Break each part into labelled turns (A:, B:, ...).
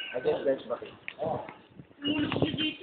A: Against bench bakit?
B: Mulog niyo dito.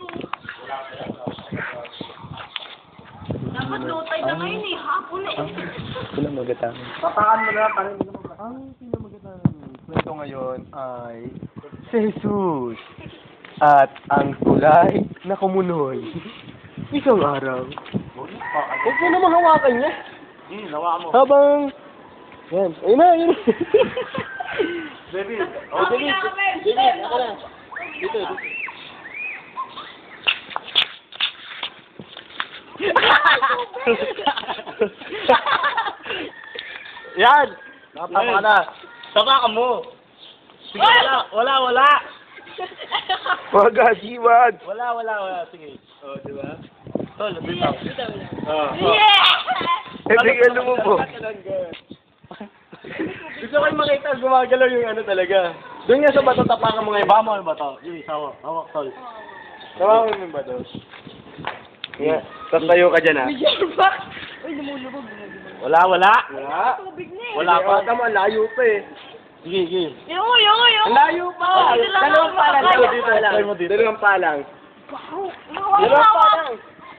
B: Dapat low tide na ngayon eh. Hapon eh.
C: Sino magatangan?
A: Tapakan mo na, parang hindi mo ba?
C: Ang sino magatangan kwento ngayon ay si Jesus at ang tulay na kumunoy. Isang araw. Huwag mo naman hawakan niya.
A: Nawa mo.
C: Habang... Yan. Ayun na, ayun.
A: Baby.
B: Oh, David.
A: David, ako na. Dito. Yan! Tama ka na. Tama ka mo. Sige, wala.
C: Wag, Haji, wag.
A: Wala. Sige. Oh, di ba? Tol, bitaw.
B: Yeah!
C: Eh, bigyan mo po.
A: Gusto ko yung makita gumagalaw yung ano talaga. Doon nga sa bato tapakan mo ngayon. Bama yung bato. Sige, hawak, tol. Tapakan mo yung bato.
C: Yeah. Tatayo ka dyan, ha?
B: Uy, lumulubog.
A: Wala.
B: Tubig na eh.
A: Wala pa.
C: Tama, layo pa eh.
A: Sige.
B: Yung.
A: Ang layo pa.
C: Dalawang pa lang.
A: Try mo dito.
C: Dalawang pa lang.
A: Dalawang pa lang.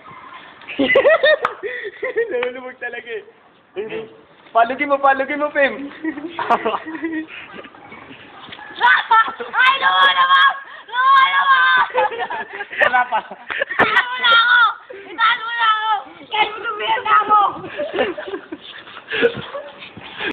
C: Nalulubog talaga eh. Palugin mo, Pim.
B: Ay, lumulubog!
A: Wala pa.